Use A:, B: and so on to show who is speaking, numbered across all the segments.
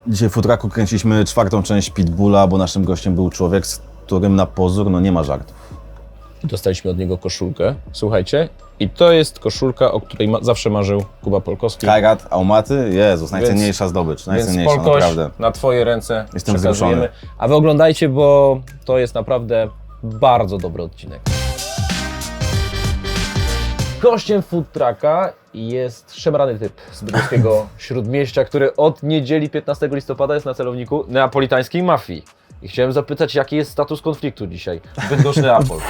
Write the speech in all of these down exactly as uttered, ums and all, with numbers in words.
A: Dzisiaj w Futraku kręciliśmy czwartą część Pitbulla, bo naszym gościem był człowiek, z którym na pozór no nie ma żartów.
B: Dostaliśmy od niego koszulkę, słuchajcie, i to jest koszulka, o której ma, zawsze marzył Kuba Polkowski.
A: Kajrat, Aumaty, Jezus, najcenniejsza
B: Więc-
A: zdobycz,
B: Więc
A: najcenniejsza,
B: Polkoś,
A: naprawdę.
B: na twoje ręce
A: Jestem
B: przekazujemy.
A: wzruszony.
B: A wy oglądajcie, bo to jest naprawdę bardzo dobry odcinek. Gościem Food Trucka jest szemrany typ z bydgoskiego Śródmieścia, który od niedzieli piętnastego listopada jest na celowniku neapolitańskiej mafii. I chciałem zapytać, jaki jest status konfliktu dzisiaj? Bydgoszcz Neapol.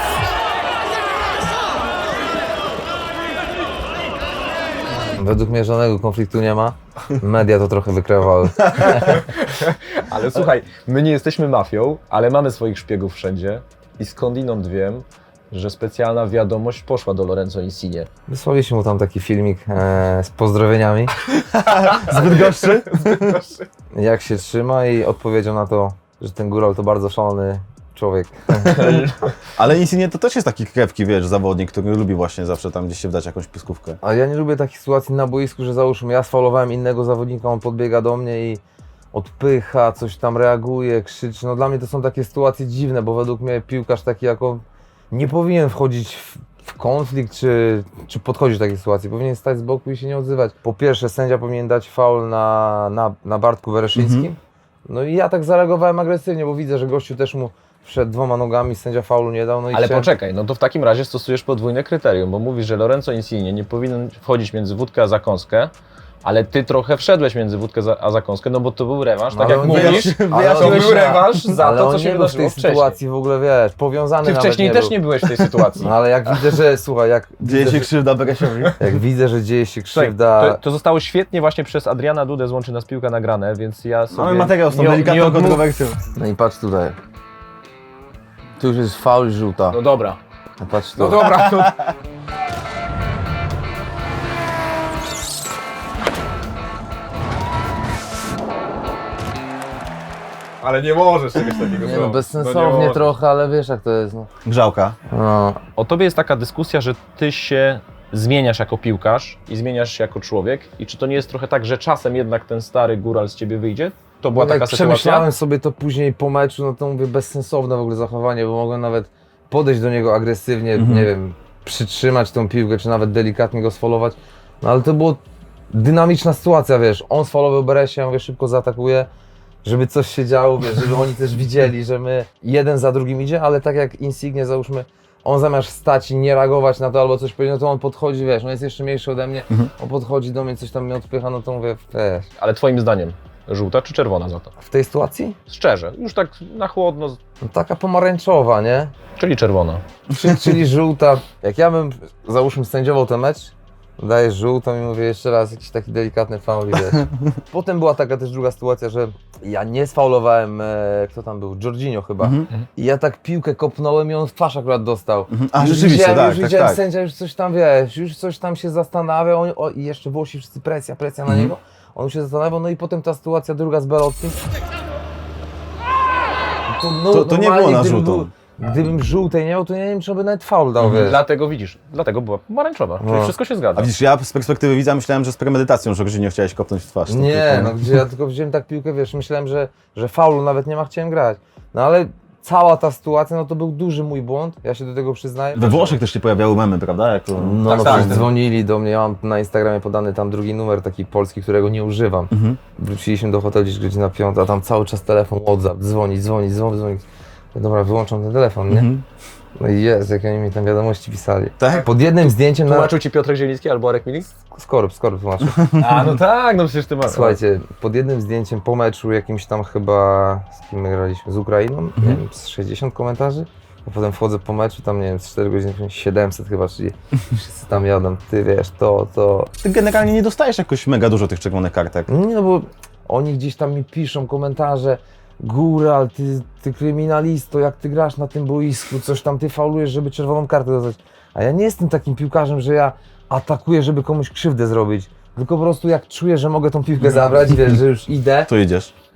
C: Według mnie żadnego konfliktu nie ma. Media to trochę wykreowały.
B: Ale słuchaj, my nie jesteśmy mafią, ale mamy swoich szpiegów wszędzie i skądinąd wiem, że specjalna wiadomość poszła do Lorenzo Insigne.
C: Wysłaliśmy mu tam taki filmik e, z pozdrowieniami. Z Bydgoszczy? Jak się trzyma i odpowiedział na to, że ten góral to bardzo szalony człowiek.
A: Ale Insigne to też jest taki krewki, wiesz, zawodnik, który lubi właśnie zawsze tam gdzieś się wdać jakąś piskówkę.
C: A ja nie lubię takich sytuacji na boisku, że załóżmy ja sfaulowałem innego zawodnika, on podbiega do mnie i odpycha, coś tam reaguje, krzyczy. No dla mnie to są takie sytuacje dziwne, bo według mnie piłkarz taki jak on nie powinien wchodzić w, w konflikt, czy, czy podchodzić do takiej sytuacji. Powinien stać z boku i się nie odzywać. Po pierwsze, sędzia powinien dać faul na, na, na Bartku Wereszyńskim.
A: Mhm.
C: No i ja tak zareagowałem agresywnie, bo widzę, że gościu też mu wszedł dwoma nogami, sędzia faulu nie dał. No i
B: Ale
C: chciałem...
B: poczekaj, no to w takim razie stosujesz podwójne kryterium, bo mówisz, że Lorenzo Insigne nie powinien wchodzić między wódkę a zakąskę, ale ty trochę wszedłeś między wódkę za- a zakąskę, no bo to był rewanż, tak
C: Ale
B: jak
C: on
B: mówisz,
C: nie-
B: to
C: ale on
B: był
C: nie-
B: rewanż za
C: Ale
B: to,
C: on
B: co
C: nie
B: się
C: był w tej
B: wydarzyło wcześniej.
C: sytuacji w ogóle, wiesz, powiązany
B: Ty
C: nawet
B: wcześniej
C: nie
B: też
C: był.
B: nie byłeś w tej sytuacji.
C: No ale jak widzę, że, słuchaj, jak
A: Dzieje
C: widzę,
A: się
C: że,
A: krzywda Beresiowi.
C: jak widzę, że dzieje się
B: Słuchaj,
C: krzywda...
B: to, to zostało świetnie właśnie przez Adriana Dudę z Łączy Nas Piłka nagrane, więc ja sobie...
A: Mamy materiał z tą
B: nie- nie
A: delikatną
B: odmów-
A: kontrowersją.
C: No i patrz tutaj. Tu już jest faul żółta.
B: No dobra.
C: No patrz tu.
B: No dobra, to... Ale nie możesz czegoś takiego
C: Nie no, bezsensownie trochę, ale wiesz jak to jest. No.
A: Grzałka.
C: No.
B: O tobie jest taka dyskusja, że ty się zmieniasz jako piłkarz i zmieniasz się jako człowiek i czy to nie jest trochę tak, że czasem jednak ten stary góral z ciebie wyjdzie? To była
C: No,
B: taka
C: jak
B: sytuacja?
C: przemyślałem sobie to później po meczu, no to mówię bezsensowne w ogóle zachowanie, bo mogłem nawet podejść do niego agresywnie,
A: Mhm.
C: nie wiem, przytrzymać tą piłkę, czy nawet delikatnie go sfaulować. No ale to było dynamiczna sytuacja, wiesz, on sfaulował Beresia, ja mówię, szybko zaatakuje, żeby coś się działo, wiesz, żeby oni też widzieli, że my jeden za drugim idzie, ale tak jak Insigne, załóżmy, on zamiast stać i nie reagować na to albo coś powiedzieć, no to on podchodzi, wiesz, on jest jeszcze mniejszy ode mnie,
A: Mhm.
C: on podchodzi do mnie, coś tam mnie odpycha, no to mówię, wiesz,
B: Ale twoim zdaniem, żółta czy czerwona za to?
C: w tej sytuacji?
B: Szczerze, już tak na chłodno,
C: No taka pomarańczowa, nie?
B: czyli czerwona.
C: Czy, czyli żółta. Jak ja bym, załóżmy, sędziował ten mecz, dajesz żółtą i mówię jeszcze raz jakiś taki delikatny faul i wiesz. Potem była taka też druga sytuacja, że ja nie sfaulowałem, e, kto tam był, Jorginho chyba.
A: Mhm.
C: I ja tak piłkę kopnąłem i on w twarz akurat dostał.
A: Mhm. A
C: Już
A: rzeczywiście,
C: widziałem,
A: tak,
C: już
A: tak,
C: widziałem,
A: tak.
C: sędzia już coś tam, wiesz, już coś tam się zastanawiał on, o, i jeszcze Włosi wszyscy presja, presja na
A: Mhm.
C: niego. On już się zastanawiał, no i potem ta sytuacja druga z Belottim. To, no,
A: To- to nie
C: normalnie,
A: było na
C: gdybym
A: żółtą.
C: był- Gdybym żółtej nie miał, to ja nie wiem, czy by nawet faul dał, wiesz.
B: Dlatego widzisz, dlatego była pomarańczowa, czyli
C: No.
B: wszystko się zgadza.
A: A widzisz, ja z perspektywy widza myślałem, że z premedytacją Jorginho chciałeś kopnąć w twarz. To
C: Nie,
A: tylko-
C: no gdzie ja tylko wziąłem tak piłkę, wiesz, myślałem, że, że faulu nawet nie ma, chciałem grać. No ale cała ta sytuacja, no to był duży mój błąd, ja się do tego przyznaję.
A: We Włoszech też się pojawiały memy, prawda? Jako...
C: No,
B: Tak,
C: no
B: tak.
C: przecież dzwonili do mnie, ja mam na Instagramie podany tam drugi numer taki polski, którego nie używam.
A: Mhm.
C: Wróciliśmy do hotelu gdzieś godzina piąta, a tam cały czas telefon, WhatsApp, dzwoni, dzwoni, dzwoni, dzwoni. Dobra, wyłączam ten telefon, nie?
A: Mhm.
C: No i jest, jak oni mi tam wiadomości pisali.
A: Tak?
C: Pod jednym zdjęciem na...
B: Tłumaczył ci Piotrek Zieliński albo Arek Milik?
C: Skorup, skorup tłumaczył.
B: A no tak, no przecież ty masz.
C: Słuchajcie, pod jednym zdjęciem po meczu jakimś tam chyba, z kim my graliśmy, z Ukrainą, nie wiem, z sześćdziesiąt komentarzy, a potem wchodzę po meczu, tam nie wiem, z cztery godziny, siedemset chyba, czyli wszyscy tam jadą, ty wiesz, to, to.
A: Ty generalnie nie dostajesz jakoś mega dużo tych czerwonych kartek.
C: Nie no, bo oni gdzieś tam mi piszą komentarze, Góral, ty, ty kryminalisto, jak ty grasz na tym boisku, coś tam ty faulujesz, żeby czerwoną kartę dostać. A ja nie jestem takim piłkarzem, że ja atakuję, żeby komuś krzywdę zrobić, tylko po prostu jak czuję, że mogę tą piłkę zabrać, wiesz, że już idę,
A: To idziesz.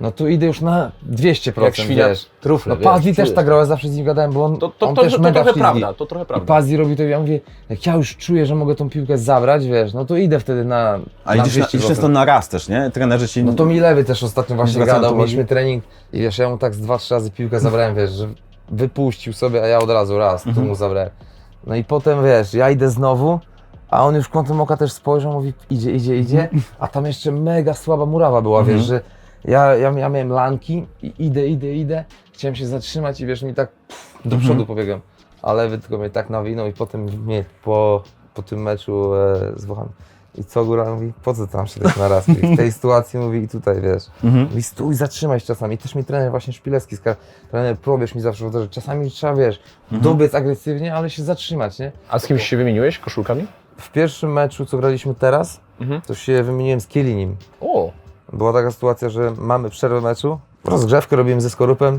C: no to idę już na dwieście procent,
B: Jak świnia
C: wiesz.
B: trufle,
C: No
B: wiesz,
C: Pazzi też
B: czujesz
C: tak grał, ja zawsze z nim gadałem, bo on,
B: To, to,
C: on
B: to,
C: też
B: to, to
C: mega
B: trochę
C: ślizgi.
B: prawda, to trochę
C: I
B: prawda.
C: Pazzi robi to, ja mówię, jak ja już czuję, że mogę tą piłkę zabrać, wiesz, no to idę wtedy na,
A: A
C: na
A: idziesz, na,
C: dwieście
A: idziesz
C: procent.
A: często na raz też, nie? Trenerzy ci...
C: No to mi lewy też ostatnio właśnie
A: Zwracałem
C: gadał,
A: to
C: mieliśmy
A: uwagi?
C: trening i wiesz, ja mu tak z dwa, trzy razy piłkę zabrałem, wiesz, że wypuścił sobie, a ja od razu raz, tu mu zabrałem. No i potem wiesz, ja idę znowu, a on już kątem oka też spojrzał, mówi idzie, idzie, idzie, a tam jeszcze mega słaba murawa była, wiesz, że ja, ja, ja miałem lanki i idę, idę, idę, chciałem się zatrzymać i wiesz, mi tak pff, do przodu pobiegłem, a lewy tylko mnie tak nawinął i potem mnie po, po tym meczu e, z Włochami. I co góra mówi, po co tam się tak na raz? I w tej sytuacji mówi i tutaj, wiesz,
A: Mhm.
C: mówi stój, zatrzymaj się czasami. I też mi trener właśnie Szpilecki, skar- trener Probierz mi zawsze powtarza, że czasami trzeba, wiesz, dobiec agresywnie, ale się zatrzymać, nie?
B: A z kimś się wymieniłeś koszulkami?
C: W pierwszym meczu, co graliśmy teraz,
B: Mhm.
C: to się wymieniłem z Kielinim.
B: O,
C: Była taka sytuacja, że mamy przerwę meczu, rozgrzewkę robimy ze Skorupem.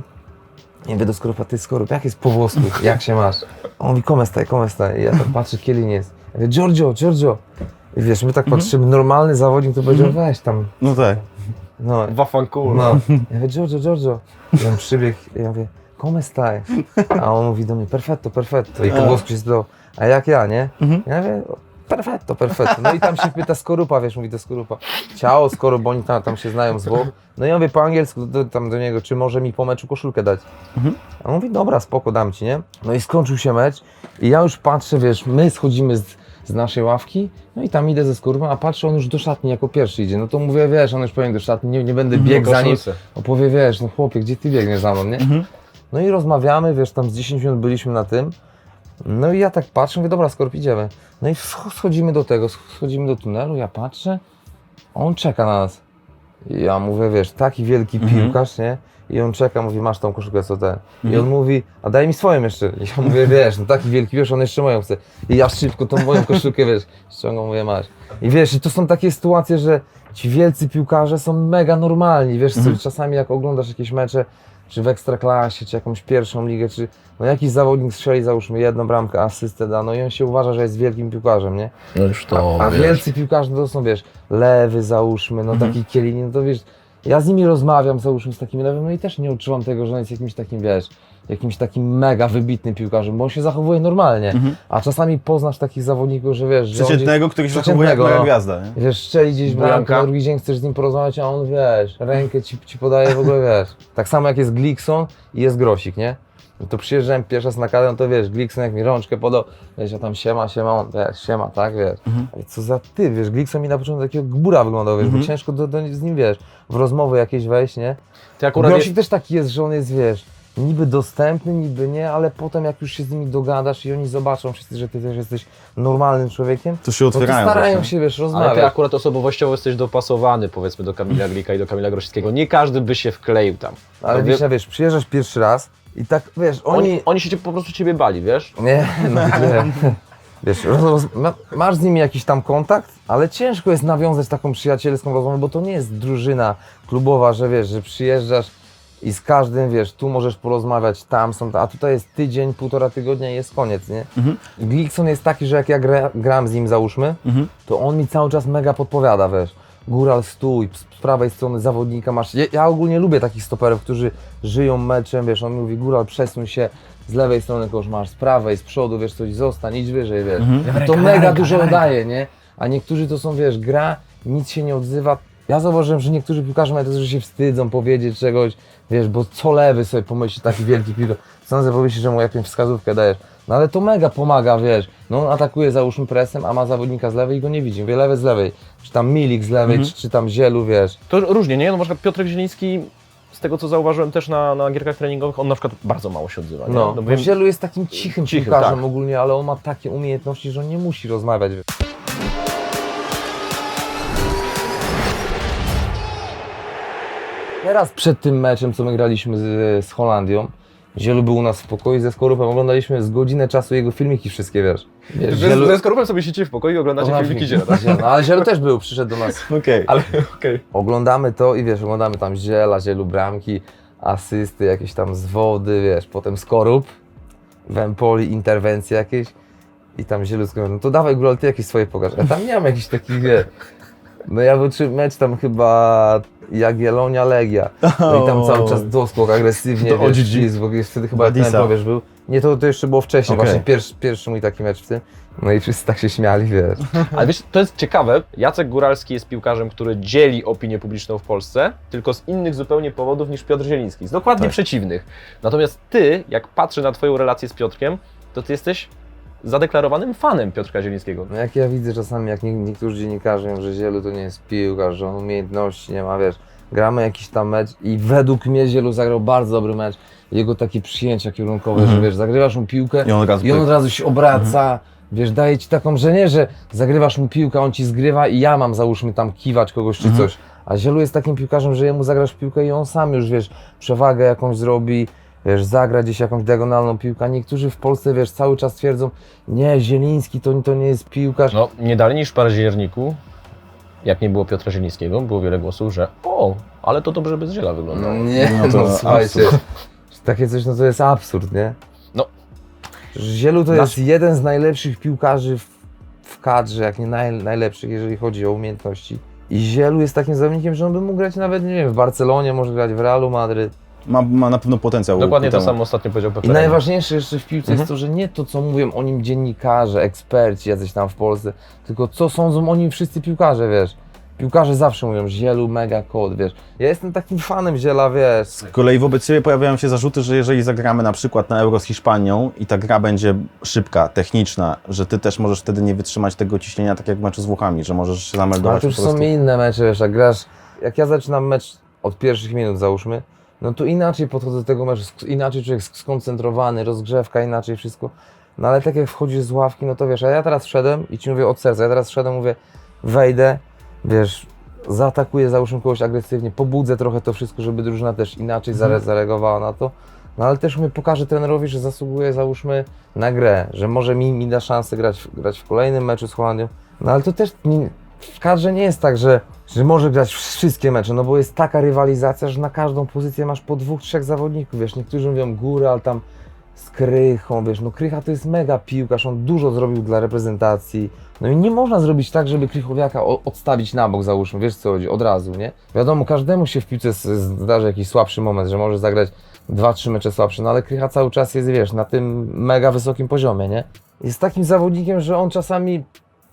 C: I mówię do Skorupa, ty Skorup, jak jest po włosku, jak się masz? A on mówi, come stai, come stai? I ja tak patrzę, Kielin jest. Ja mówię, Giorgio, Giorgio. I wiesz, my tak patrzymy, normalny zawodnik to powiedział, weź tam.
A: No tak.
C: No,
B: wafankur.
C: no. Ja mówię, Giorgio, Giorgio. I on przybiegł, i ja mówię, come stai? A on mówi do mnie, perfetto, perfetto. I po włosku się spytał, a jak ja, nie? Ja mówię, perfetto, perfetto. No i tam się pyta Skorupa, wiesz, mówi do Skorupa, ciao Skorup, bo oni tam, tam się znają z Włoch. No i ja mówię po angielsku do, tam do niego, czy może mi po meczu koszulkę dać. A on mówi, dobra, spoko, dam ci, nie? No i skończył się mecz i ja już patrzę, wiesz, my schodzimy z, z naszej ławki, no i tam idę ze Skorupem, a patrzę, on już do szatni jako pierwszy idzie. No to mówię, wiesz, on już powinien do szatni, nie, nie będę biegł za nim.
B: koszulce.
C: Opowie, wiesz, no chłopie, gdzie ty biegniesz za mną, nie? No i rozmawiamy, wiesz, tam z dziesięć minut byliśmy na tym. No i ja tak patrzę, mówię, dobra, Skorup, idziemy. No i wsch- schodzimy do tego, schodzimy do tunelu, ja patrzę, a on czeka na nas. I ja mówię, wiesz, taki wielki piłkarz, nie? I on czeka, mówi, masz tą koszulkę, co ten. I on mówi, a daj mi swoją jeszcze. I ja mówię, wiesz, no taki wielki, wiesz, on jeszcze moją chce. I ja szybko tą moją koszulkę, wiesz, ściągam, mówię, masz. I wiesz, i to są takie sytuacje, że ci wielcy piłkarze są mega normalni, wiesz, co, czasami jak oglądasz jakieś mecze, czy w Ekstraklasie, czy jakąś pierwszą ligę, czy no jakiś zawodnik strzeli, załóżmy jedną bramkę, asystę da, no i on się uważa, że jest wielkim piłkarzem, nie?
B: No już to,
C: A
B: wiesz.
C: wielcy piłkarze to są, wiesz, lewy załóżmy, no taki Kielini, no to wiesz, ja z nimi rozmawiam, załóżmy z takim lewym, no i też nie odczuwam tego, że on jest jakimś takim, wiesz, jakimś takim mega wybitnym piłkarzem, bo on się zachowuje normalnie, a czasami poznasz takich zawodników, że wiesz, że on
A: Przeciętnego, który się zachowuje jak
C: przeciętnego,
A: moja
C: no.
A: gwiazda, nie?
C: Wiesz, strzeli gdzieś bramkę,
B: Bramka.
C: na drugi dzień chcesz z nim porozmawiać, a on, wiesz, rękę ci, ci podaje, w ogóle, wiesz. Tak samo jak jest Glikson i jest Grosik, nie? No to przyjeżdżałem pierwszy raz na kadrę, no to wiesz, Glikson jak mi rączkę podał, wiesz, ja tam siema, siema, on, wiesz, siema, tak, wiesz. Ale co za ty, wiesz, Glikson mi na początku takiego gbura wyglądał, wiesz, bo ciężko do, do, z nim, wiesz, w rozmowy jakieś wejść, nie?
B: Ty akurat
C: Grosik
B: je...
C: też taki jest, że on jest, wiesz, niby dostępny, niby nie, ale potem jak już się z nimi dogadasz i oni zobaczą wszyscy, że ty też jesteś normalnym człowiekiem,
A: To się
C: no to
A: otwierają.
C: starają
A: właśnie.
C: się, wiesz,
B: Ale
C: rozmawiać.
B: ty akurat osobowościowo jesteś dopasowany, powiedzmy, do Kamila Glika i do Kamila Grosickiego. Nie każdy by się wkleił tam.
C: Ale
B: To
C: wiesz,
B: wie-
C: wiesz, przyjeżdżasz pierwszy raz i tak, wiesz, oni...
B: Oni, oni się cię, po prostu ciebie bali, wiesz?
C: Nie, no nie. Wiesz, roz, roz, ma, masz z nimi jakiś tam kontakt, ale ciężko jest nawiązać taką przyjacielską rozmowę, bo to nie jest drużyna klubowa, że wiesz, że przyjeżdżasz i z każdym, wiesz, tu możesz porozmawiać, tam są, a tutaj jest tydzień, półtora tygodnia i jest koniec, nie?
A: Mhm.
C: Glikson jest taki, że jak ja gra, gram z nim, załóżmy,
A: Mhm.
C: to on mi cały czas mega podpowiada, wiesz. Góral, stój, z prawej strony zawodnika masz. Ja, ja ogólnie lubię takich stoperów, którzy żyją meczem, wiesz, on mi mówi, Góral, przesuń się, z lewej strony kogoś masz, z prawej, z przodu, wiesz, coś zostań, idź wyżej, wiesz. To mega dużo daje, nie? A niektórzy to są, wiesz, gra, nic się nie odzywa. Ja zauważyłem, że niektórzy piłkarze mają to, że się wstydzą powiedzieć czegoś, wiesz, bo co lewy sobie pomyśli, taki wielki piłkarz, co on sobie pomyśli, że mu jakąś wskazówkę dajesz. No ale to mega pomaga, wiesz, no on atakuje załóżmy presem, a ma zawodnika z lewej i go nie widzi, mówię lewy z lewej, czy tam Milik z lewej, czy, czy tam Zielu, wiesz.
B: To różnie, nie? No na przykład Piotrek Zieliński, z tego co zauważyłem też na, na gierkach treningowych, on na przykład bardzo mało się odzywa, nie?
C: No,
B: No,
C: bo
B: wiem-
C: Zielu jest takim cichym
B: Cichy,
C: piłkarzem
B: tak.
C: ogólnie, ale on ma takie umiejętności, że on nie musi rozmawiać. Wiesz. Teraz przed tym meczem, co my graliśmy z, z Holandią, Zielu był u nas w pokoju ze Skorupem, oglądaliśmy z godzinę czasu jego filmiki wszystkie, wiesz. wiesz
B: Ze, ze Skorupem sobie siedzicie w pokoju i oglądacie filmiki Ziela, tak?
C: No, ale Zielu też był, przyszedł do nas.
A: Okej.
B: Ale okej.
C: Oglądamy to i wiesz, oglądamy tam Ziela, Zielu bramki, asysty, jakieś tam zwody, wiesz, potem Skorup, w Empoli interwencje jakieś i tam Zielu skończył, no to dawaj Górol, ty jakieś swoje pokaż. A tam nie mam jakichś takich, wiesz, No ja wyczułem mecz tam chyba Jagiellonia Legia. No i tam cały czas doskok, agresywnie,
A: To
C: wiesz,
A: O G G.
C: ścisk, bo wtedy chyba
A: Badisa.
C: ten probierz był. Nie, to, to jeszcze było wcześniej,
A: Okej.
C: właśnie pierwszy, pierwszy mój taki mecz w tym. No i wszyscy tak się śmiali, wiesz.
B: Ale wiesz, to jest ciekawe, Jacek Góralski jest piłkarzem, który dzieli opinię publiczną w Polsce, tylko z innych zupełnie powodów niż Piotr Zieliński, z dokładnie
A: Tak.
B: przeciwnych. Natomiast ty, jak patrzę na twoją relację z Piotrkiem, to ty jesteś zadeklarowanym fanem Piotrka Zielińskiego.
C: No jak ja widzę czasami, jak nie, niektórzy dziennikarze mówią, że Zielu to nie jest piłkarz, że on umiejętności nie ma, wiesz. Gramy jakiś tam mecz i według mnie Zielu zagrał bardzo dobry mecz. Jego takie przyjęcia kierunkowe,
A: Mhm.
C: że wiesz, zagrywasz mu piłkę
A: I on od razu
C: i on
A: pyk.
C: od razu się obraca, wiesz, daje ci taką, że nie, że zagrywasz mu piłkę, on ci zgrywa i ja mam, załóżmy, tam kiwać kogoś czy
A: Mhm.
C: coś. A Zielu jest takim piłkarzem, że jemu zagrasz piłkę i on sam już, wiesz, przewagę jakąś zrobi, wiesz, zagra gdzieś jakąś diagonalną piłkę. Niektórzy w Polsce, wiesz, cały czas twierdzą, nie, Zieliński to, to nie jest piłkarz.
B: No, nie dalej niż w październiku, jak nie było Piotra Zielińskiego, było wiele głosów, że o, ale to dobrze bez Ziela wyglądało.
C: Nie,
A: No
C: no,
A: to
C: słuchajcie, takie coś, no to jest absurd, nie?
B: No.
C: Zielu to
B: Nasz-
C: jest jeden z najlepszych piłkarzy w, w kadrze, jak nie naj, najlepszych, jeżeli chodzi o umiejętności. I Zielu jest takim zawodnikiem, że on by mógł grać nawet, nie wiem, w Barcelonie, może grać w Realu Madryt.
A: Ma, ma na pewno potencjał.
B: Dokładnie
A: ku
B: to
A: temu.
B: samo ostatnio powiedział
C: I
B: Pepe.
C: najważniejsze jeszcze w piłce
B: Mhm.
C: jest to, że nie to, co mówią o nim dziennikarze, eksperci jacyś tam w Polsce, tylko co sądzą o nim wszyscy piłkarze, wiesz. Piłkarze zawsze mówią, Zielu mega kod, wiesz. Ja jestem takim fanem Ziela, wiesz.
A: Z kolei wobec Ciebie pojawiają się zarzuty, że jeżeli zagramy na przykład na Euro z Hiszpanią i ta gra będzie szybka, techniczna, że Ty też możesz wtedy nie wytrzymać tego ciśnienia tak jak w meczu z Włochami, że możesz się
C: Ale
A: zameldować
C: to już
A: po prostu.
C: są inne mecze, wiesz, jak grasz, jak ja zaczynam mecz od pierwszych minut załóżmy, no to inaczej podchodzę do tego meczu, sk- inaczej człowiek sk- skoncentrowany, rozgrzewka, inaczej wszystko. No ale tak jak wchodzisz z ławki, no to wiesz, a ja teraz wszedłem i Ci mówię od serca, ja teraz wszedłem, mówię, wejdę, wiesz, zaatakuję załóżmy kogoś agresywnie, pobudzę trochę to wszystko, żeby drużyna też inaczej zare- zareagowała na to. No ale też mówię, pokażę trenerowi, że zasługuje załóżmy na grę, że może mi, mi da szansę grać, w- grać w kolejnym meczu z Holandią. No ale to też nie, w kadrze nie jest tak, że, że może grać wszystkie mecze, no bo jest taka rywalizacja, że na każdą pozycję masz po dwóch, trzech zawodników, wiesz, niektórzy mówią Góra, ale tam z Krychą, wiesz, no Krycha to jest mega piłkarz, on dużo zrobił dla reprezentacji, no i nie można zrobić tak, żeby Krychowiaka o- odstawić na bok, załóżmy, wiesz co chodzi, od razu, nie? Wiadomo, każdemu się w piłce s- zdarzy jakiś słabszy moment, że może zagrać dwa, trzy mecze słabsze, no ale Krycha cały czas jest, wiesz, na tym mega wysokim poziomie, nie? Jest takim zawodnikiem, że on czasami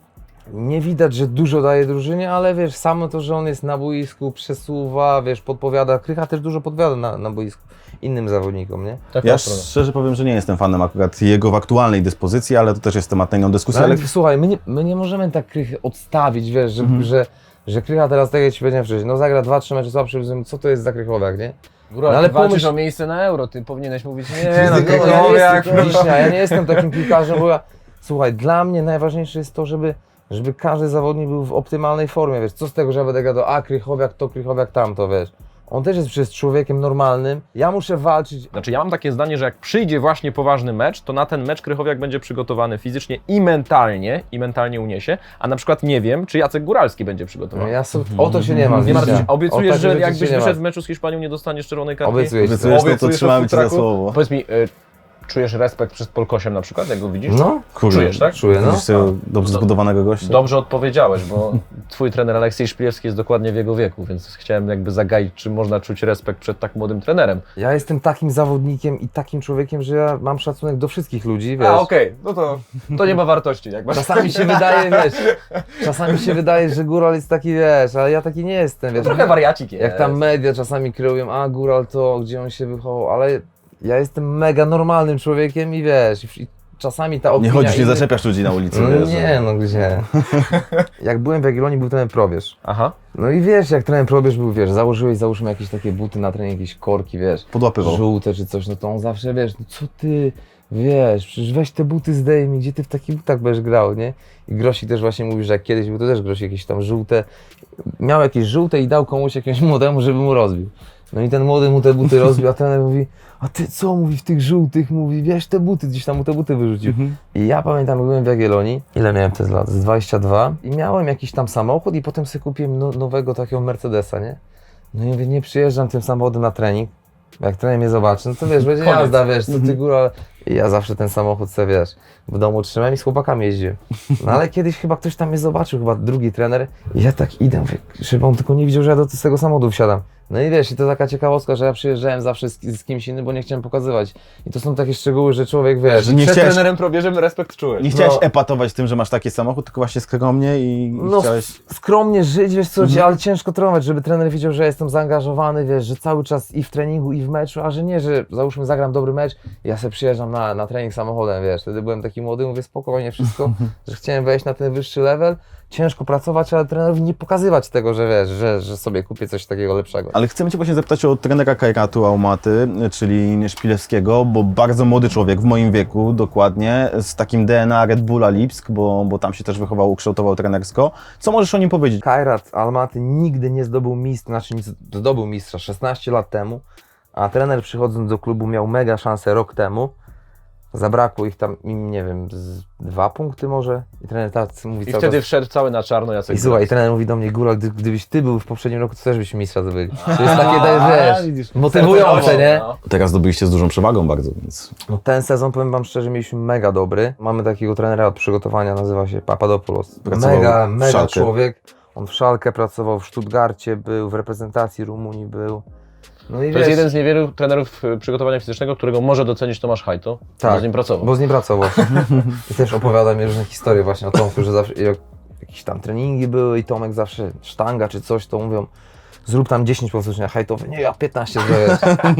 C: nie widać, że dużo daje drużynie, ale wiesz, samo to, że on jest na boisku, przesuwa, wiesz, podpowiada. Krycha też dużo podpowiada na, na boisku innym zawodnikom, nie?
B: Tak,
A: Ja
B: tak, prawda.
A: szczerze powiem, że nie jestem fanem akurat jego w aktualnej dyspozycji, ale to też jest temat na inną dyskusję.
C: Ale
A: Ale
C: słuchaj, my nie, my nie możemy tak Krychy odstawić, wiesz, że,
A: Mhm.
C: że, że Krycha teraz, tak jak Ci powiedziałem wcześniej, no zagra dwa, trzy mecze słabsze, co to jest za Krychowiak, nie?
B: Góral,
C: No
B: ale
C: ale
B: ty walczysz
C: pomyśl-
B: o miejsce na Euro, ty powinieneś mówić nie,
C: Nie,
B: no
C: no, ja, nie
B: Krychowiak.
C: jestem, Wiśnia, ja nie jestem takim piłkarzem, bo ja, słuchaj, dla mnie najważniejsze jest to, żeby, żeby każdy zawodnik był w optymalnej formie, wiesz, co z tego, że ja będę gadał, a Krychowiak to, Krychowiak tamto, wiesz. On też jest przecież człowiekiem normalnym, ja muszę walczyć.
B: Znaczy ja mam takie zdanie, że jak przyjdzie właśnie poważny mecz, to na ten mecz Krychowiak będzie przygotowany fizycznie i mentalnie, i mentalnie uniesie, a na przykład nie wiem, czy Jacek Góralski będzie
C: No
B: przygotowany.
C: ja so, o to się nie ma.
B: Nie martw się,
C: O
B: obiecujesz,
C: takie
B: że
C: rzeczy się
B: jakbyś
C: nie
B: wyszedł w
C: ma.
B: meczu z Hiszpanią, nie dostaniesz czerwonej kartki?
C: Obiecuję ci.
A: obiecujesz, no to
B: Obiecujesz
A: trzymamy
B: o
A: Cię za
B: futraku?
A: słowo.
B: Powiedz mi, y, czujesz respekt przed Polkosiem na przykład, jak go widzisz?
C: No,
A: Kurde,
B: Czujesz, tak?
C: czuję, no.
A: Widzisz tego dobrze zbudowanego gościa?
B: Dobrze odpowiedziałeś, bo twój trener Aleksiej Szpilewski jest dokładnie w jego wieku, więc chciałem jakby zagaić, czy można czuć respekt przed tak młodym trenerem.
C: Ja jestem takim zawodnikiem i takim człowiekiem, że ja mam szacunek do wszystkich ludzi, wiesz.
B: A, okej, no to, to nie ma wartości. Jak masz...
C: Czasami się wydaje, wiesz, czasami się wydaje, że Góral jest taki, wiesz, ale ja taki nie jestem, wiesz.
B: Trochę wariacik jest.
C: Jak tam media czasami kreują, a Góral to, gdzie on się wychował, ale ja jestem mega normalnym człowiekiem i wiesz, i czasami ta opinia...
A: Nie chodzisz, nie
C: innych-
A: zaczepiasz ludzi na ulicy.
C: No
A: wiesz, że-
C: nie, no gdzie. Jak byłem w Jagiellonii, był trener Probierz.
B: Aha.
C: No i wiesz, jak trener Probierz był, wiesz, założyłeś, załóżmy jakieś takie buty na trening, jakieś korki, wiesz,
A: Podłapywał.
C: żółte czy coś, no to on zawsze, wiesz, no co ty, wiesz, przecież weź te buty zdejmij, gdzie ty w takich butach będziesz grał, nie? I Grosik też właśnie mówi, że jak kiedyś był, to też Grosik jakieś tam żółte, miał jakieś żółte i dał komuś jakiemuś młodemu, żeby mu rozbił. No i ten młody mu te buty rozbił, a trener mówi, a ty co, mówi, w tych żółtych, mówi, wiesz, te buty, gdzieś tam mu te buty wyrzucił.
A: Mhm.
C: I ja pamiętam, jak byłem w Jagiellonii, ile miałem wtedy lat, z dwadzieścia dwa i miałem jakiś tam samochód i potem sobie kupiłem no, nowego takiego Mercedesa, nie? No i mówię, nie przyjeżdżam tym samochodem na trening, jak trener mnie zobaczy, no to wiesz, będzie
B: Koniec.
C: jazda, wiesz, co ty góra, I ja zawsze ten samochód sobie, wiesz, w domu trzymałem i z chłopakami jeździłem. No ale kiedyś chyba ktoś tam mnie zobaczył, chyba drugi trener. I ja tak idę, mówię, żeby on tylko nie widział, że ja do z tego samochodu wsiadam. No i wiesz, i to taka ciekawostka, że ja przyjeżdżałem zawsze z, z kimś innym, bo nie chciałem pokazywać. I to są takie szczegóły, że człowiek, wiesz...
A: Że nie
B: Przed
A: chciałeś,
B: trenerem probierzem respekt czułeś.
A: nie chciałeś
C: No.
A: epatować tym, że masz taki samochód, tylko właśnie skromnie i
C: No
A: chciałeś...
C: skromnie żyć, wiesz co,
A: Mhm.
C: ale ciężko trenować, żeby trener wiedział, że ja jestem zaangażowany, wiesz, że cały czas i w treningu, i w meczu, a że nie, że załóżmy zagram dobry mecz, ja sobie przyjeżdżam na, na trening samochodem, wiesz, wtedy byłem taki młody, mówię spokojnie wszystko, że chciałem wejść na ten wyższy level, ciężko pracować, ale trenerowi nie pokazywać tego, że wiesz, że, że sobie kupię coś takiego lepszego.
A: Ale chcemy Cię właśnie zapytać o trenera Kajratu Aumaty, czyli Szpilewskiego, bo bardzo młody człowiek, w moim wieku dokładnie, z takim D N A Red Bulla Lipsk, bo, bo tam się też wychował, ukształtował trenersko. Co możesz o nim powiedzieć?
C: Kajrat Almaty nigdy nie zdobył mistrza, znaczy nie zdobył mistrza szesnaście lat temu, a trener przychodząc do klubu miał mega szansę rok temu. Zabrakło ich tam, im, nie wiem, z dwa punkty może. I trener tak mówi
B: I
C: cały
B: wtedy
C: czas.
B: wszedł cały na czarno Jacek
C: I słuchaj,
B: Góral.
C: trener mówi do mnie, Góral, gdy, gdybyś ty był w poprzednim roku, to też byśmy mistrza zdobyli. To jest takie,
A: A,
C: wiesz,
A: widzisz.
C: motywujące, nie?
B: No.
A: Teraz zdobyliście z dużą przewagą bardzo, więc...
C: No ten sezon, powiem wam szczerze, mieliśmy mega dobry. Mamy takiego trenera od przygotowania, nazywa się Papadopoulos.
A: Pracował
C: Mega,
A: w
C: mega
A: Schalke.
C: człowiek. On w Szalkę pracował, w Stuttgarcie był, w reprezentacji Rumunii był. No i
B: To jest jeden z niewielu trenerów y, przygotowania fizycznego, którego może docenić Tomasz Hajto,
C: Tak,
B: bo z nim pracował.
C: Bo z nim pracował. I też opowiada mi różne historie właśnie o Tomku, że zawsze jak jakieś tam treningi były i Tomek zawsze sztanga czy coś, to mówią zrób tam dziesięć powtórzeń, a Hajtowy, nie, ja piętnaście zrobię.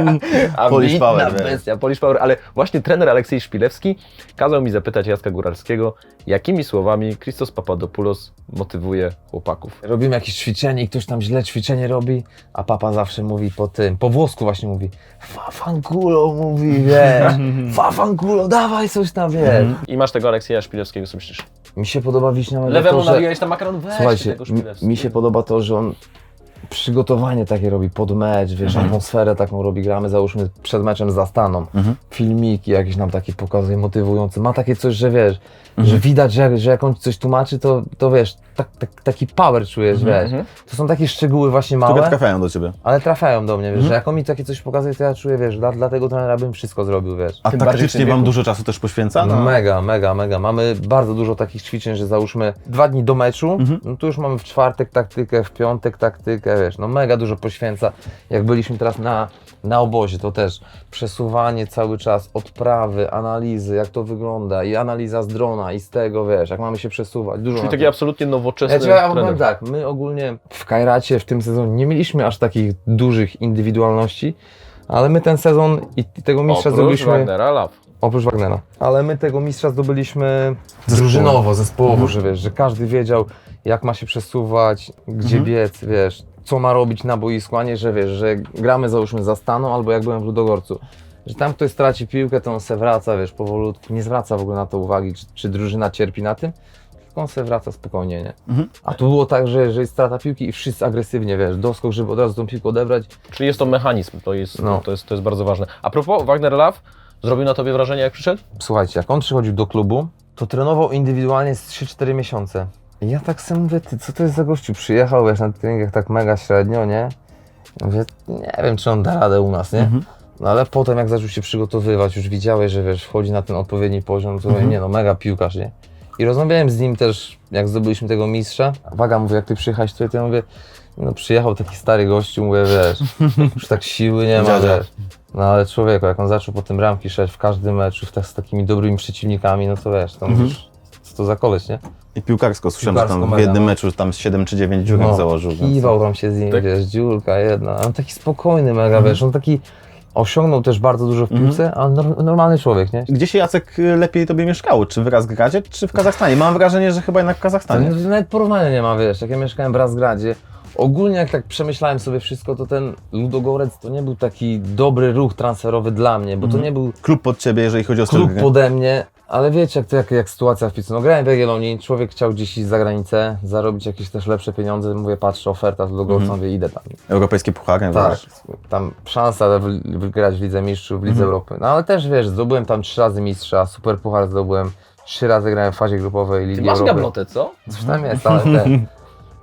B: A
A: Polish
B: bitna
A: Power, wiesz.
B: bestia, Polish Power, ale właśnie trener Aleksiej Szpilewski kazał mi zapytać Jacka Góralskiego, jakimi słowami Christos Papadopoulos motywuje chłopaków.
C: Robimy jakieś ćwiczenie i ktoś tam źle ćwiczenie robi, a papa zawsze mówi po tym, po włosku właśnie mówi fafankulo mówi, wiesz, fafankulo, dawaj coś tam, wiesz.
B: I masz tego Aleksieja Szpilewskiego, co myślisz?
C: Mi się podoba Wiśnia Mega
B: Lewemu
C: to, że...
B: nawijałeś tam makaron, weź
C: Słuchajcie,
B: tego
C: mi,
B: Szpilewskiego.
C: mi się podoba to, że on przygotowanie takie robi pod mecz, wiesz,
A: Mhm.
C: atmosferę taką robi, gramy załóżmy przed meczem za Staną,
A: Mhm.
C: filmiki jakieś nam takie pokazuje, motywujące, ma takie coś, że wiesz,
A: Mhm.
C: że widać, że, że jak on ci coś tłumaczy, to, to wiesz, tak, tak, taki power czujesz, wiesz,
B: Mhm.
C: to są takie szczegóły właśnie
A: Które
C: małe,
A: trafiają do Ciebie.
C: ale trafiają do mnie, wiesz,
A: Mhm.
C: że jak on mi takie coś pokazuje, to ja czuję, wiesz, dla, dla tego trenera bym wszystko zrobił, wiesz.
A: A
B: Tym bardziej w
A: taktycznie
B: tym
A: Wam
B: wieku.
A: dużo czasu też poświęca? No.
C: Mega, mega, mega. Mamy bardzo dużo takich ćwiczeń, że załóżmy dwa dni do meczu,
A: Mhm.
C: no to już mamy w czwartek taktykę, w piątek taktykę, wiesz, no mega dużo poświęca. Jak byliśmy teraz na, na obozie, to też przesuwanie cały czas, odprawy, analizy, jak to wygląda i analiza z drona i z tego, wiesz, jak mamy się przesuwać. Dużo
B: Czyli
C: na
B: taki
C: tym.
B: absolutnie nowoczesny
C: Ja, ci- ja powiem
B: trener.
C: tak, my ogólnie w Kajracie w tym sezonie nie mieliśmy aż takich dużych indywidualności, ale my ten sezon i i tego mistrza
B: Oprócz
C: zdobyliśmy...
B: Wagnera, Law.
C: Oprócz Wagnera. Ale my tego mistrza zdobyliśmy
A: Zespołowo.
C: drużynowo, zespołowo, że wiesz, że każdy wiedział, jak ma się przesuwać, gdzie
A: Mhm.
C: biec, wiesz, co ma robić na boisku, a nie, że wiesz, że gramy załóżmy za Staną albo jak byłem w Ludogorcu. Że tam ktoś straci piłkę, to on se wraca, wiesz, powolutku, nie zwraca w ogóle na to uwagi, czy, czy drużyna cierpi na tym, tylko on se wraca spokojnie, nie?
A: Mhm.
C: A tu było tak, że, że jest strata piłki i wszyscy agresywnie, wiesz, doskok, żeby od razu tą piłkę odebrać.
B: Czyli jest to mechanizm, to jest,
C: No.
B: to jest, to jest bardzo ważne. A propos, Wagner Law zrobił na tobie wrażenie, jak przyszedł?
C: Słuchajcie, jak on przychodził do klubu, to trenował indywidualnie z trzy cztery miesiące. I ja tak sobie mówię, ty, co to jest za gościu? Przyjechał, wiesz, na treningach tak mega średnio, nie? Ja mówię, nie wiem, czy on da radę u nas, nie?
A: Mhm.
C: No ale potem jak zaczął się przygotowywać, już widziałeś, że wiesz, wchodzi na ten odpowiedni poziom, to mówię,
A: Mhm.
C: nie no, mega piłkarz, nie? I rozmawiałem z nim też, jak zdobyliśmy tego mistrza. Waga, mówię, jak ty przyjechałeś tutaj, to ja mówię, no przyjechał taki stary gościu, mówię, wiesz, już tak siły nie ma,
A: Dziadzia.
C: wiesz. No ale człowieku, jak on zaczął potem bramki szedć w każdym meczu, w tak, z takimi dobrymi przeciwnikami, no to wiesz, to
A: Mhm.
C: mówisz, co to za koleś, nie?
A: I piłkarsko słyszałem, że tam
C: Piłkarsko
A: w
C: mega,
A: jednym
C: no.
A: meczu tam siedem czy dziewięć dziurek założył. więc-
C: Kiwał tam się z nim,
B: Tak.
C: wiesz, dziurka jedna, on taki spokojny mega,
A: Mhm.
C: wiesz, on taki osiągnął też bardzo dużo w
A: Mhm.
C: piłce, ale nor- normalny człowiek, nie?
A: Gdzie się, Jacek, lepiej Tobie mieszkało? Czy w Razgradzie, czy w Kazachstanie? Mam wrażenie, że chyba jednak w
C: To
A: Kazachstanie.
C: nie- nawet porównania nie ma, wiesz, jak ja mieszkałem w Razgradzie, ogólnie jak tak przemyślałem sobie wszystko, to ten Ludogorec to nie był taki dobry ruch transferowy dla mnie, bo to
A: Mhm.
C: nie był
A: Klub pod Ciebie, jeżeli chodzi o styl
C: klub
A: gry.
C: pode mnie, ale wiecie jak to jak, jak sytuacja w piłce. No grałem w Jagiellonii, człowiek chciał gdzieś iść za granicę, zarobić jakieś też lepsze pieniądze, mówię, patrzę, oferta z Ludogorca,
A: Mhm.
C: mówię, idę tam.
A: Europejskie puchary,
C: Tak,
A: wiesz.
C: tam szansa wy- wygrać w Lidze Mistrzów, w Lidze
A: Mhm.
C: Europy. No ale też wiesz, zdobyłem tam trzy razy mistrza, super puchar zdobyłem, trzy razy grałem w fazie grupowej Ligi
B: Ty masz
C: Europy.
B: gablotę, co?
C: Coś tam jest, ale ten.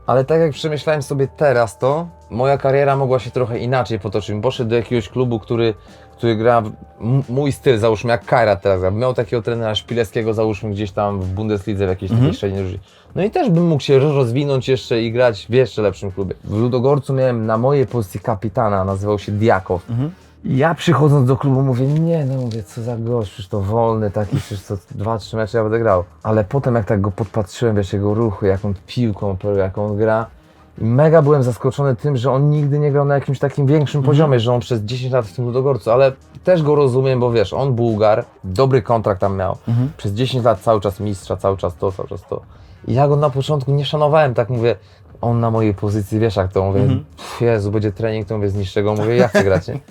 C: Ale tak jak przemyślałem sobie teraz to, moja kariera mogła się trochę inaczej potoczyć. Poszedł do jakiegoś klubu, który, który gra w- m- mój styl, załóżmy jak Kairat teraz gra. Miał takiego trenera Szpileckiego, załóżmy gdzieś tam w Bundeslidze, w jakiejś takiej średniej drużynie. No i też bym mógł się rozwinąć jeszcze i grać w jeszcze lepszym klubie. W Ludogorcu miałem na mojej pozycji kapitana, nazywał się Diakow. I ja przychodząc do klubu mówię, nie no mówię, co za gość, przecież to wolny taki, przecież co dwa, trzy mecze ja będę grał. Ale potem jak tak go podpatrzyłem, wiesz, jego ruchy, jaką piłką, jak on gra, i mega byłem zaskoczony tym, że on nigdy nie grał na jakimś takim większym poziomie, że on przez dziesięć lat w tym Ludogorcu, ale też go rozumiem, bo wiesz, on Bułgar, dobry kontrakt tam miał, przez dziesięć lat cały czas mistrza, cały czas to, cały czas to. I ja go na początku nie szanowałem, tak mówię, on na mojej pozycji, wiesz jak to, mówię, mhm. Jezu, będzie trening, to mówię, zniszczę go, mówię, ja chcę grać, nie?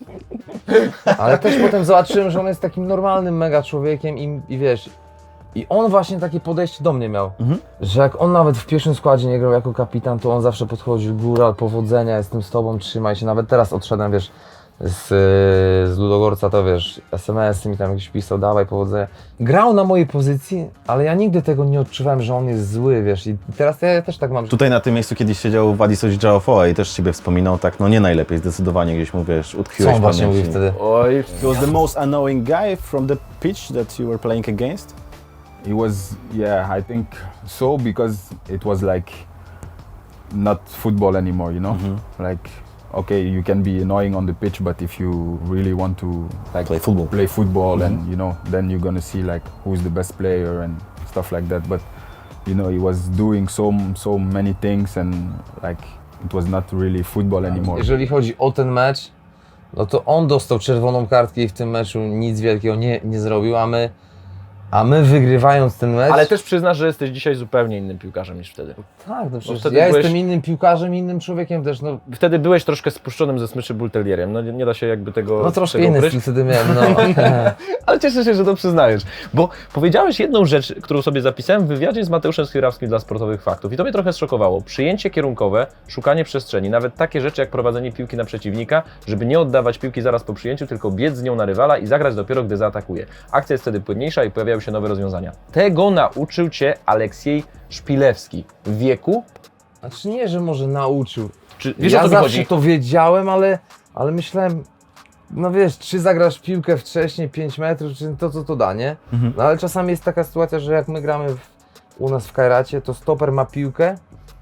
C: Ale też potem zobaczyłem, że on jest takim normalnym mega człowiekiem i, i wiesz, i on właśnie takie podejście do mnie miał, mhm. że jak on nawet w pierwszym składzie nie grał jako kapitan, to on zawsze podchodził, góra, powodzenia, jestem z tobą, trzymaj się, nawet teraz odszedłem, wiesz, z, z Ludogorca, to wiesz, es em esy mi tam jakiś pisał, dawaj, powodzenia. Grał na mojej pozycji, ale ja nigdy tego nie odczuwałem, że on jest zły, wiesz, i teraz ja też tak mam.
A: Tutaj na tym miejscu kiedyś siedział Władysław Działofoa i też Ciebie wspominał, tak, no nie najlepiej, zdecydowanie gdzieś mu, wiesz,
C: Co
A: utkwiłeś
C: on
A: w
C: właśnie
A: pamięci.
C: mówił wtedy?
B: Oj,
D: He was the most annoying guy from the pitch that you were playing against?
E: He was, yeah, I think so, because it was like not football anymore, you know? Like, okay, you can be annoying on the pitch, but if you really want to like
A: Play football.
E: play football and you know, then you're gonna see like who's the best player and stuff like that. But you know, he was doing so so many things and like it was not really football anymore.
C: Jeżeli chodzi o ten mecz, no to on dostał czerwoną kartkę i w tym meczu nic wielkiego nie, nie zrobił, a my, a my wygrywając ten mecz...
B: ale też przyznasz, że jesteś dzisiaj zupełnie innym piłkarzem niż wtedy.
C: Tak, no przecież
B: wtedy
C: ja
B: byłeś-
C: jestem innym piłkarzem, innym człowiekiem też, no,
B: Wtedy byłeś troszkę spuszczonym ze smyczy bultelierem, no nie, nie da się jakby tego
C: no troszkę
B: tego
C: inny
B: ukryć.
C: styl wtedy miałem, no.
B: Ale cieszę się, że to przyznajesz, bo powiedziałeś jedną rzecz, którą sobie zapisałem w wywiadzie z Mateuszem Schierawskim dla Sportowych Faktów i to mnie trochę zszokowało. Przyjęcie kierunkowe, szukanie przestrzeni, nawet takie rzeczy jak prowadzenie piłki na przeciwnika, żeby nie oddawać piłki zaraz po przyjęciu, tylko biec z nią na rywala i zagrać dopiero, gdy zaatakuje. Akcja jest wtedy płynniejsza i pojawiają się nowe rozwiązania. Tego nauczył Cię Aleksiej Szpilewski w wieku,
C: Znaczy nie, że może nauczył.
B: czy wiesz
C: ja
B: o co mi
C: zawsze
B: chodzi?
C: to wiedziałem, ale, ale myślałem, no wiesz, czy zagrasz piłkę wcześniej, pięć metrów, czy to co to da, nie? No ale czasami jest taka sytuacja, że jak my gramy w, u nas w Kairacie, to stoper ma piłkę,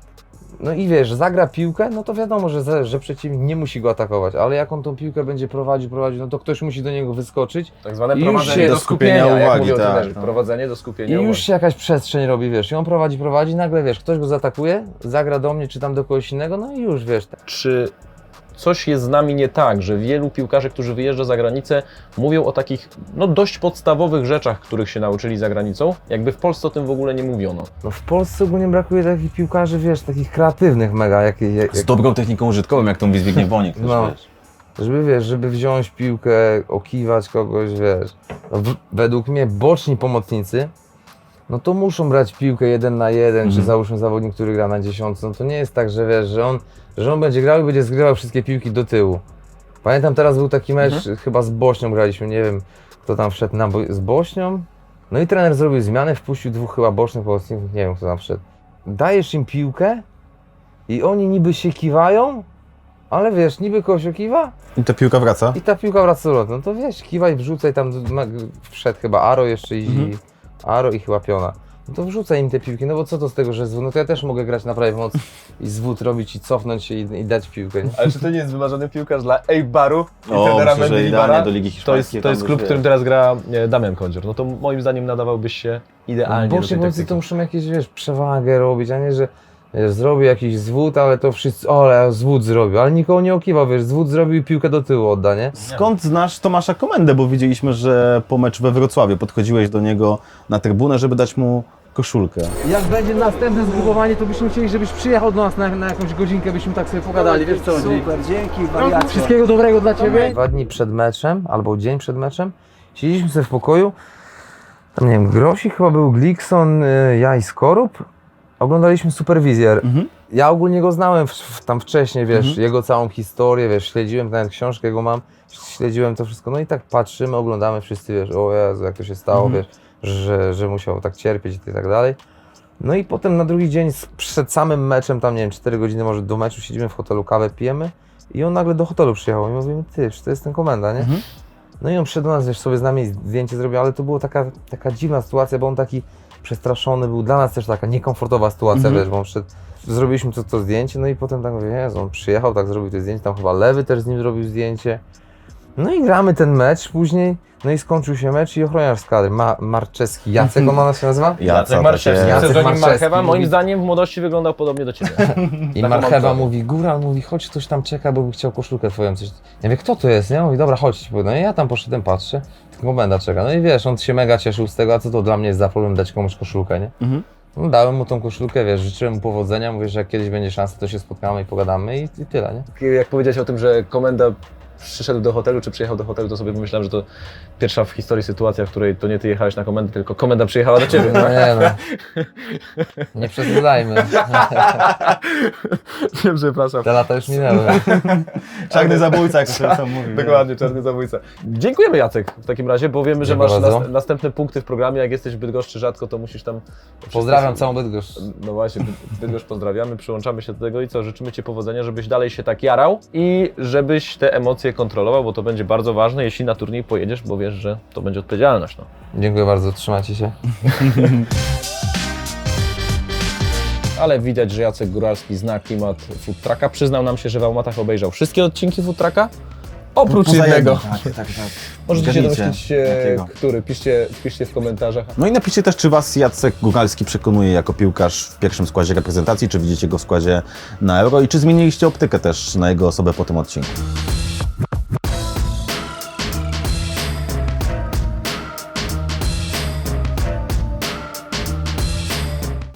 C: no i wiesz, zagra piłkę, no to wiadomo, że, za- że przeciwnik nie musi go atakować, ale jak on tą piłkę będzie prowadził, prowadził, no to ktoś musi do niego wyskoczyć
B: Tak zwane
C: I już
B: prowadzenie
C: się-
B: do
A: do
B: skupienia,
A: skupienia
B: jak
A: uwagi,
B: mówią
A: tak,
B: trenerzy.
A: tak.
B: Prowadzenie do
C: i
B: skupienia
C: już
B: uwagi.
C: się jakaś przestrzeń robi, wiesz, i on prowadzi, prowadzi, nagle wiesz, ktoś go zaatakuje, zagra do mnie, czy tam do kogoś innego, no i już, wiesz,
B: Czy coś jest z nami nie tak, że wielu piłkarzy, którzy wyjeżdża za granicę, mówią o takich no, dość podstawowych rzeczach, których się nauczyli za granicą, jakby w Polsce o tym w ogóle nie mówiono.
C: no w Polsce ogólnie brakuje takich piłkarzy, wiesz, takich kreatywnych mega, jak, jak,
A: Z dobrą techniką użytkową, jak tą Zbigniew Boniek też,
C: No.
A: wiesz.
C: żeby wiesz, żeby wziąć piłkę, okiwać kogoś, wiesz. No, w, według mnie boczni pomocnicy, no to muszą brać piłkę jeden na jeden,
A: Mhm.
C: czy załóżmy zawodnik, który gra na dziesiątce, no to nie jest tak, że wiesz, że on, że on będzie grał i będzie zgrywał wszystkie piłki do tyłu. Pamiętam teraz był taki mecz,
A: Mhm.
C: chyba z Bośnią graliśmy, nie wiem kto tam wszedł na bo- z Bośnią, no i trener zrobił zmianę, wpuścił dwóch chyba bocznych pomocników, nie wiem kto tam wszedł. Dajesz im piłkę i oni niby się kiwają, ale wiesz, niby kogoś okiwa,
A: I ta piłka wraca.
C: i ta piłka wraca do lotu. No to wiesz, kiwaj, wrzucaj tam, ma- wszedł chyba Aro jeszcze i
A: Mhm.
C: Aro i chyba Piona. No to wrzucaj im te piłki, no bo co to z tego, że zwód, no to ja też mogę grać na prawej mocy i zwód robić i cofnąć się i, i dać piłkę, nie?
B: Ale czy to nie jest wymarzony piłkarz dla Eibaru i
A: O,
B: trenera
A: myślę, że
B: Mendilibara?
A: idealnie do Ligi
B: To jest,
A: Hiszpańskiej.
B: to jest
A: tam
B: klub, w
A: już,
B: którym
A: wiesz.
B: teraz gra e, Damian Kondzior. No to moim zdaniem nadawałbyś się idealnie do
C: Bocznie
B: tej
C: pomocy
B: taktyki.
C: to muszą jakieś, wiesz, przewagę robić, a nie, że wiesz, zrobi jakiś zwód, ale to wszyscy, o, ale zwód zrobił, ale nikogo nie okiwał, wiesz, zwód zrobił i piłkę do tyłu odda, nie?
A: Skąd znasz Tomasza Komendę? Bo widzieliśmy, że po meczu we Wrocławiu podchodziłeś do niego na trybunę, żeby dać mu koszulkę.
C: Jak będzie następne zgrupowanie, to byśmy chcieli, żebyś przyjechał do nas na, na jakąś godzinkę, byśmy tak sobie pogadali, wiesz co chodzi?
D: Super, dzięki, wariacie.
C: Wszystkiego dobrego dla Ciebie. Dwa dni przed meczem, albo dzień przed meczem, siedzieliśmy sobie w pokoju, tam nie wiem, Grosik chyba był, Glikson, y, ja i Skorup, oglądaliśmy Superwizjer.
A: Mhm.
C: Ja ogólnie go znałem w, w, tam wcześniej, wiesz,
A: Mhm.
C: jego całą historię, wiesz, śledziłem, nawet książkę jego mam, śledziłem to wszystko, no i tak patrzymy, oglądamy wszyscy, wiesz, o Jezu, jak to się stało,
A: Mhm.
C: wiesz, że, że musiał tak cierpieć i tak dalej. No i potem na drugi dzień z- przed samym meczem, tam nie wiem, cztery godziny może do meczu, siedzimy w hotelu, kawę pijemy i on nagle do hotelu przyjechał i mówimy, ty, przecież to jest ten komenda, nie?
A: Mhm.
C: No i on przyszedł do nas, wiesz, sobie z nami zdjęcie zrobił, ale to była taka, taka dziwna sytuacja, bo on taki przestraszony był, dla nas też taka niekomfortowa sytuacja,
A: Mhm.
C: wiesz, bo on wszedł, zrobiliśmy to, to zdjęcie, no i potem tak mówię, Jezu, on przyjechał, tak zrobił to zdjęcie, tam chyba Lewy też z nim zrobił zdjęcie. No i gramy ten mecz później, no i skończył się mecz i ochroniarz z kadry, Ma Marczewski, Jacek on ona się nazywa?
B: Jacek Marszewski,
C: Jacek
B: pseudonim
C: Marszewski
B: Marchewa, moim
C: mówi-
B: zdaniem w młodości wyglądał podobnie do Ciebie.
C: I
B: Taką
C: Marchewa
B: mam
C: mówi, Góral mówi, chodź, ktoś tam czeka, bo by chciał koszulkę twoją, coś. Ja mówię, kto to jest, nie? Mówi, dobra, chodź. No i ja tam poszedłem, patrzę, komenda czeka. No i wiesz, on się mega cieszył z tego, a co to dla mnie jest za problem dać komuś koszulkę, nie?
A: Mhm.
C: No, dałem mu tą koszulkę, wiesz, życzyłem mu powodzenia, mówię, że jak kiedyś będzie szansa, to się spotkamy i pogadamy i, i tyle, nie?
B: Jak powiedziałeś o tym, że komenda przyszedł do hotelu, czy przyjechał do hotelu, to sobie pomyślałem, że to pierwsza w historii sytuacja, w której to nie ty jechałeś na komendę, tylko komenda przyjechała do ciebie.
C: No nie no, nie przesadzajmy,
B: Wiem, przepraszam.
C: te lata już minęły.
A: Czarny zabójca, jak to się sam mówi.
B: Dokładnie, czarny zabójca. Dziękujemy Jacek w takim razie, bo wiemy, że
C: Dziękuję
B: masz
C: bardzo.
B: nas, następne punkty w programie. Jak jesteś w Bydgoszczy rzadko, to musisz tam...
C: Pozdrawiam całą Bydgoszcz.
B: No właśnie, Bydgoszcz pozdrawiamy, przyłączamy się do tego i co, życzymy Ci powodzenia, żebyś dalej się tak jarał i żebyś te emocje kontrolował, bo to będzie bardzo ważne, jeśli na turniej pojedziesz, bo wiesz, że to będzie odpowiedzialność. No.
C: Dziękuję bardzo, trzymajcie się.
B: Ale widać, że Jacek Góralski zna klimat Food Trucka. Przyznał nam się, że w Almatach obejrzał wszystkie odcinki Food Trucka, oprócz
A: Poza
B: jednego.
A: jednym, Tak, tak, tak.
B: Możecie się
A: Zgadnijcie,
B: domyślić, e,
A: jakiego.
B: który. Piszcie, piszcie w komentarzach.
A: No i napiszcie też, czy Was Jacek Góralski przekonuje jako piłkarz w pierwszym składzie reprezentacji, czy widzicie go w składzie na Euro i czy zmieniliście optykę też na jego osobę po tym odcinku.